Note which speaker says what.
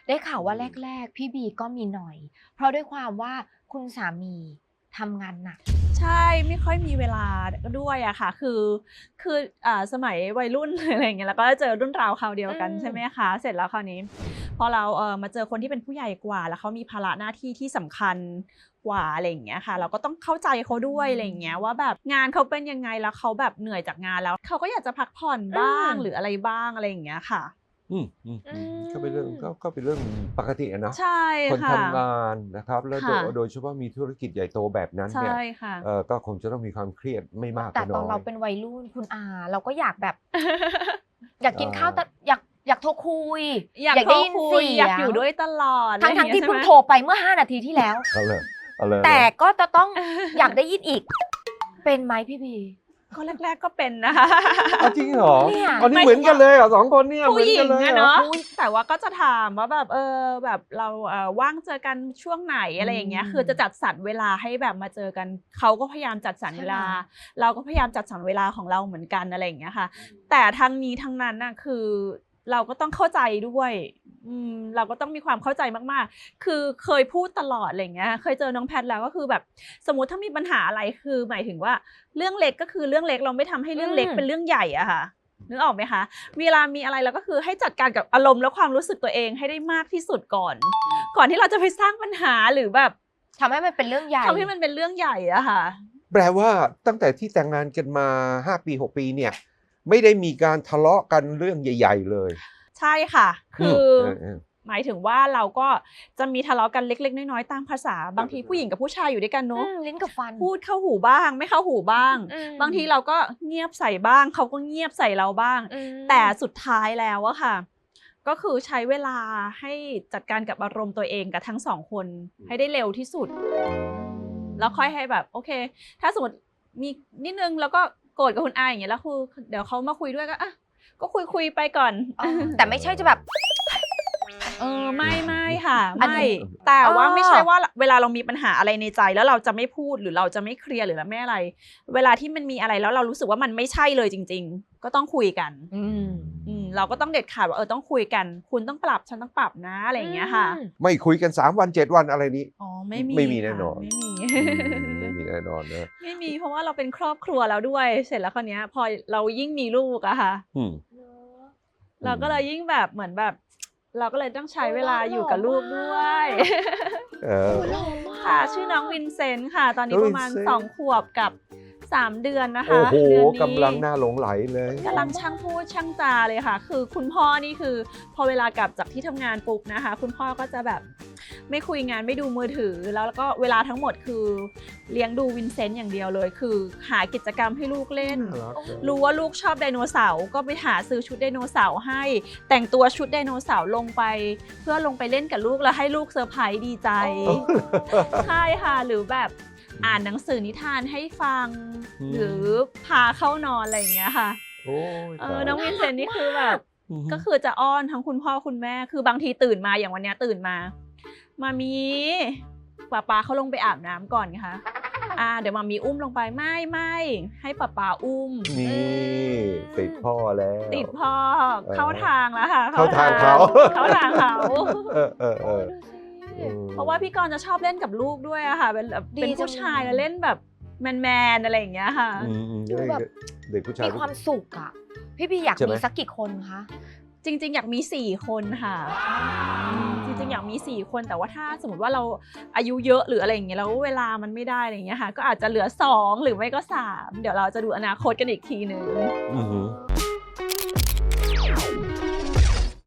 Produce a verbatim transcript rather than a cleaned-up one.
Speaker 1: ได้ข่าวว่าแรกๆพี่บีก็มีหน่อยเพราะด้วยความว่าคุณสามีทำงานหนัก
Speaker 2: ใช่ไม่ค่อยมีเวลาด้วยอะค่ะคือคืออ่าสมัยวัยรุ่นอะไรอย่างเงี้ยแล้วก็เจอรุ่นราวคราวเดียวกันใช่ไหมคะเสร็จแล้วคราวนี้พอเราเอ่อมาเจอคนที่เป็นผู้ใหญ่กว่าแล้วเขามีภาระหน้าที่ที่สำคัญกว่าอะไรอย่างเงี้ยค่ะเราก็ต้องเข้าใจเขาด้วยอะไรอย่างเงี้ยว่าแบบงานเขาเป็นยังไงแล้วเขาแบบเหนื่อยจากงานแล้วเขาก็อยากจะพักผ่อนบ้างหรืออะไรบ้างอะไรอย่างเงี้ยค่ะ
Speaker 3: อืมอืมอืมก็เป็นเรื่องก็ก็เป็นเรื่องปกติอะเนาะ
Speaker 2: ใช่
Speaker 3: คน
Speaker 2: ค่ะ
Speaker 3: ทำงานนะครับแล้วโดย
Speaker 2: ค่ะ
Speaker 3: โดยเฉพาะมีธุรกิจใหญ่โตแบบนั้น
Speaker 2: ใช่
Speaker 3: เนี่ย
Speaker 2: ค่ะ
Speaker 3: เอ่อก็คงจะต้องมีความเครียดไม่มาก
Speaker 1: แต่
Speaker 3: ก็น้อย
Speaker 1: ตอนเราเป็นวัยรุ่นคุณอาเราก็อยากแบบ อยากกินข้าวแต่
Speaker 3: อ่า
Speaker 1: อยากอยากโทรคุย
Speaker 2: อยาก
Speaker 1: อยาก
Speaker 2: โทร
Speaker 1: ได้ยิน
Speaker 2: คุย
Speaker 1: เสี
Speaker 2: อยาก
Speaker 1: ยง
Speaker 2: อยู่ด้วยตลอด
Speaker 1: ทั้งทั้งที่เพิ่งโทรไปเมื่อห้านาทีที่แล้ว
Speaker 3: เอาเลยเอาเลย
Speaker 1: แต่ก็จะต้องอยากได้ยินอีก เป็นไหมพี่บี
Speaker 2: ก็แรกๆก็เป็นนะคะ
Speaker 3: เอาจริงเหรอ
Speaker 1: เนี่ย
Speaker 3: อันนี้เหมือนกันเลยเหรอสองคนเนี่ยเห
Speaker 2: ผู้
Speaker 3: มือน
Speaker 2: หญิ
Speaker 3: กัน
Speaker 2: ง
Speaker 3: เลย
Speaker 2: อะ
Speaker 3: เหรอ
Speaker 2: เนาะแต่ว่าก็จะถามว่าแบบเออแบบเราเอ่อว่างเจอกันช่วงไหนอะไรอย่างเงี้ยคือจะจัดสรรเวลาให้แบบมาเจอกันเขาก็พยายามจัดสรรเวลา เราก็พยายามจัดสรรเวลาของเราเหมือนกันอะไรอย่างเงี้ยค่ะแต่ทั้งนี้ทั้งนั้นน่ะคือเราก็ต้องเข้าใจด้วยอืมเราก็ต้องมีความเข้าใจมากๆคือเคยพูดตลอดอะไรอย่างเงี้ยเคยเจอน้องแพทแล้วก็คือแบบสมมุติถ้ามีปัญหาอะไรคือหมายถึงว่าเรื่องเล็กก็คือเรื่องเล็กเราไม่ทำให้เรื่องเล็กเป็นเรื่องใหญ่อะค่ะนึกออกไหมคะเวลามีอะไรเราก็คือให้จัดการกับอารมณ์และความรู้สึกตัวเองให้ได้มากที่สุดก่อนก่อนที่เราจะไปสร้างปัญหาหรือแบบ
Speaker 1: ทำให้มันเป็นเรื่องใหญ่
Speaker 2: ทำให้มันเป็นเรื่องใหญ่อะค่ะ
Speaker 3: แปลว่าตั้งแต่ที่แต่งงานกันมาห้าปีหกปีเนี่ยไม่ได้มีการทะเลาะกันเรื่องใหญ่ๆเลย
Speaker 2: ใช่ค่ะคือ
Speaker 3: เออเออ
Speaker 2: หมายถึงว่าเราก็จะมีทะเลาะกันเล็กๆน้อยๆตามภาษาบางทีผู้หญิงกับผู้ชายอยู่ด้วยกัน
Speaker 1: อื
Speaker 2: เนาะ
Speaker 1: มลิ้นกับฟัน
Speaker 2: พูดเข้าหูบ้างไม่เข้าหูบ้าง
Speaker 1: อืม
Speaker 2: บางทีเราก็เงียบใส่บ้างเขาก็เงียบใส่เราบ้าง
Speaker 1: อืม
Speaker 2: แต่สุดท้ายแล้วอะค่ะ ก็คือใช้เวลาให้จัดการกับอารมณ์ตัวเองกับทั้งสองคนให้ได้เร็วที่สุด แล้วค่อยให้แบบโอเค ถ้าสมมติมีนิดนึงแล้วก็โกรธกับคุณอาอย่างเงี้ยแล้วคือเดี๋ยวเขามาคุยด้วยก็อ่ะก็คุยคุยไปก่อน
Speaker 1: อ๋อแต่ไม่ใช่จะแบบ
Speaker 2: เออไม่ไม่ค่ะ
Speaker 1: อันนี้
Speaker 2: ไม่แต่ว่า
Speaker 1: เออ
Speaker 2: ไม่ใช่ว่าเวลาเรามีปัญหาอะไรในใจแล้วเราจะไม่พูดหรือเราจะไม่เคลียร์หรือไม่อะไร เวลาที่มันมีอะไรแล้วเรารู้สึกว่ามันไม่ใช่เลยจริง ๆ ก็ต้องคุยกัน
Speaker 1: อืม
Speaker 2: อืมเราก็ต้องเด็ดขาดว่าเออต้องคุยกัน คุณต้องปรับฉันต้องปรับนะอะไรอย่างเงี้ยค่ะ
Speaker 3: ไม่คุยกันสามวันเจ็ดวันอะไรนี้
Speaker 2: อ๋อไม่มี
Speaker 3: ไม่มี
Speaker 2: ค่ะ
Speaker 3: แน่นอน
Speaker 2: ไม่มี
Speaker 3: อืมไม่มีแน่นอนนะ
Speaker 2: ไม่มีเพราะว่าเราเป็นครอบครัวแล้วด้วย เสร็จแล้วคราวเนี้ยพอเรายิ่งมีลูกอะค่ะ
Speaker 3: อืม
Speaker 2: เราก็เลยยิ่งแบบเหมือนแบบ เราก็เลยต้องใช้เวลาอยู่กับลูกด้วย
Speaker 3: เออ
Speaker 1: หล่อมาก
Speaker 2: ค่ะชื่อน้องวินเซนต์ค่ะ ตอนนี้
Speaker 3: น้อง
Speaker 2: ประมาณ
Speaker 3: วินเซนต์
Speaker 2: สองขวบกับสามเดือนนะคะ
Speaker 3: โอ้โห
Speaker 2: เดือนนี้
Speaker 3: กำลังน่าหลงไหลเลย
Speaker 2: กำลังช่างพูดช่างจาเลยค่ะ คือคุณพ่อนี่คือพอเวลากลับจากที่ทำงานปุ๊บนะคะ คุณพ่อก็จะแบบไม่คุยงานไม่ดูมือถือแล้วก็เวลาทั้งหมดคือเลี้ยงดูวินเซนต์อย่างเดียวเลย คือหากิจกรรมให้ลูกเล่น
Speaker 3: น่ารักเลย
Speaker 2: รู้ว่าลูกชอบไดโนเสาร์ก็ไปหาซื้อชุดไดโนเสาร์ให้ แต่งตัวชุดไดโนเสาร์ลงไป เพื่อลงไปเล่นกับลูกแล้วให้ลูกเซอร์ไพรส์ดีใจ ใช่ค่ะหรือแบบอ่านหนังสือนิทานให้ฟัง
Speaker 3: อืม
Speaker 2: หรือพาเข้านอนอะไรอย่างเงี้ยค่ะ
Speaker 3: โอ้ย
Speaker 2: เอ
Speaker 3: ตา
Speaker 2: อย น้องวินเซนต์นี่คือแบบ
Speaker 3: อืม
Speaker 2: ก็คือจะอ้อนทั้งคุณพ่อคุณแม่คือบางทีตื่นมาอย่างวันเนี้ยตื่นมา มามีป๊าป๊าเขาลงไปอาบน้ำก่อนค่ะอ่าเดี๋ยวมามีอุ้มลงไปไม่ไม่ให้ป๊าป๊าอุ้ม
Speaker 3: นี่ติดพ่อแล้ว
Speaker 2: ติดพ่อ
Speaker 3: เออ
Speaker 2: เข้าทางแล้วค่ะ
Speaker 3: เข้าทางเขา
Speaker 2: เข้าทางเขา
Speaker 3: เออเออเออ
Speaker 1: โอ้ยดูสิ
Speaker 3: ออ
Speaker 2: เพราะว่าพี่กรณ์จะชอบเล่นกับลูกด้วยอะค่ะเป็นแบบ
Speaker 1: ดี
Speaker 2: เป็น
Speaker 1: จั
Speaker 2: ผู้
Speaker 1: ง
Speaker 2: ชายแล้วเล่นแบบแมนๆอะไรอย่างเงี้ยค่ะ
Speaker 3: อืมอืม
Speaker 1: ดูแบบ
Speaker 3: เด็กผู้ชาย
Speaker 1: มีความสุขอ่ะ พี่บีอยาก
Speaker 3: ใช่ไหม
Speaker 1: มีสักกี่คนคะ
Speaker 2: จริงๆ อยากมีสี่คนค่ะจริงๆ อยากมีสี่คนแต่ว่าถ้าสมมติว่าเราอายุเยอะหรืออะไรอย่างเงี้ยแล้วเวลามันไม่ได้อะไรอย่างเงี้ยค่ะก็อาจจะเหลือสองหรือไม่ก็สามเดี๋ยวเราจะดูอนาคตกันอีกทีหนึ่ง
Speaker 3: อือหือ
Speaker 1: อ